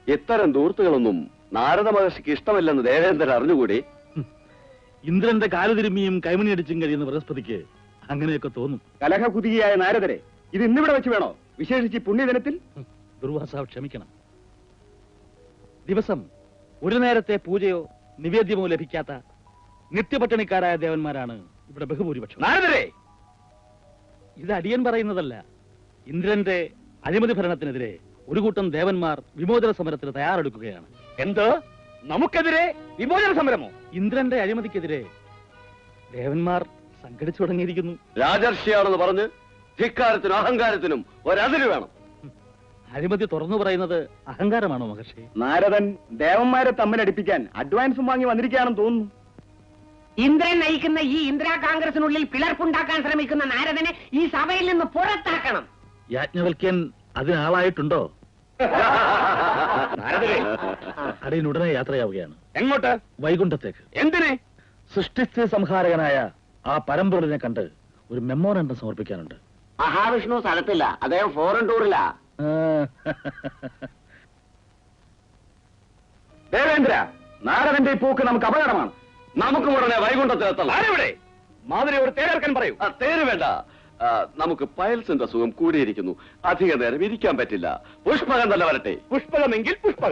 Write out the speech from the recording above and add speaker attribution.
Speaker 1: ഇത്തരം ദൂർത്തുകളൊന്നും നാരദ മഹർഷിക്ക് ഇഷ്ടമല്ലെന്ന് ദേവേന്ദ്രൻ അറിഞ്ഞുകൂടി.
Speaker 2: ഇന്ദ്രന്റെ കാലുതിരുമ്മിയും കൈമണിയടിച്ചും കഴിയുന്ന ബൃഹസ്പതിക്ക് അങ്ങനെയൊക്കെ തോന്നും.
Speaker 3: കലഹകുതിയായ നാരദരെ ഇത് ഇന്നിവിടെ വെച്ച് വേണോ, വിശേഷിച്ച് പുണ്യദിനത്തിൽ?
Speaker 2: ദുർവാസാവ് ക്ഷമിക്കണം. ദിവസം ഒരു നേരത്തെ പൂജയോ നിവേദ്യമോ ലഭിക്കാത്ത നിത്യപട്ടിണിക്കാരായ ദേവന്മാരാണ് ഇവിടെ ബഹുഭൂരിപക്ഷം.
Speaker 3: നാരദരെ,
Speaker 2: ഇത് അടിയൻ പറയുന്നതല്ല. ഇന്ദ്രന്റെ അഴിമതി ഭരണത്തിനെതിരെ ഒരു കൂട്ടം ദേവന്മാർ വിമോചന സമരത്തിന് തയ്യാറെടുക്കുകയാണ്.
Speaker 3: എന്ത്? നമുക്കെതിരെ വിമോചന സമരമോ?
Speaker 2: ഇന്ദ്രന്റെ അഴിമതിക്കെതിരെ ദേവന്മാർ സംഘടിച്ചു തുടങ്ങിയിരിക്കുന്നു.
Speaker 1: രാജർഷിയാണെന്ന് പറഞ്ഞ് ധിക്കാരത്തിനും അഹങ്കാരത്തിനും ഒരതിര് വേണം.
Speaker 2: അഴിമതി തുറന്നു പറയുന്നത് അഹങ്കാരമാണോ മഹർഷി?
Speaker 3: നാരദൻ ദേവന്മാരെ തമ്മിലടിപ്പിക്കാൻ അഡ്വാൻസും വാങ്ങി വന്നിരിക്കുകയാണെന്ന് തോന്നുന്നു.
Speaker 4: ഇന്ദ്രൻ നയിക്കുന്ന ഈ ഇന്ദിരാ കോൺഗ്രസിനുള്ളിൽ പിളർപ്പുണ്ടാക്കാൻ ശ്രമിക്കുന്ന നാരദനെ ഈ സഭയിൽ നിന്ന് പുറത്താക്കണം.
Speaker 2: യാജ്ഞവൽക്യൻ അതിനാളായിട്ടുണ്ടോ?
Speaker 3: നാരദരെ,
Speaker 2: അടിയൻ ഉടനെ യാത്രയാവുകയാണ്.
Speaker 3: എങ്ങോട്ട്?
Speaker 2: വൈകുണ്ഠത്തേക്ക്.
Speaker 3: എന്തിനെ?
Speaker 2: സൃഷ്ടിസ്ഥിതി സംഹാരകനായ ആ പരമ്പൊരുളിനെ കണ്ട് ഒരു മെമ്മോറണ്ടം സമർപ്പിക്കാനുണ്ട്.
Speaker 4: മഹാവിഷ്ണു സ്ഥലത്തില്ല, അദ്ദേഹം ഫോറിൻ ടൂറിലാ.
Speaker 3: ദേവേന്ദ്ര, നാരദന്റെ ഈ പോക്ക് നമുക്ക് അപകടമാണ്.
Speaker 1: നമുക്ക് ഉടനെ വൈകുണ്ഠത്തിലെത്തണം.
Speaker 3: ആരെവിടെ? മാതിരിയോട് തേരെടുക്കാൻ പറയൂ.
Speaker 1: തേര് വേണ്ട. നമുക്ക് പയൽസിന്റെ സുഖം കൂടിയിരിക്കുന്നു. അധിക നേരം ഇരിക്കാൻ പറ്റില്ല. പുഷ്പകം തന്നെ വരട്ടെ.
Speaker 3: പുഷ്പകമെങ്കിൽ പുഷ്പകം.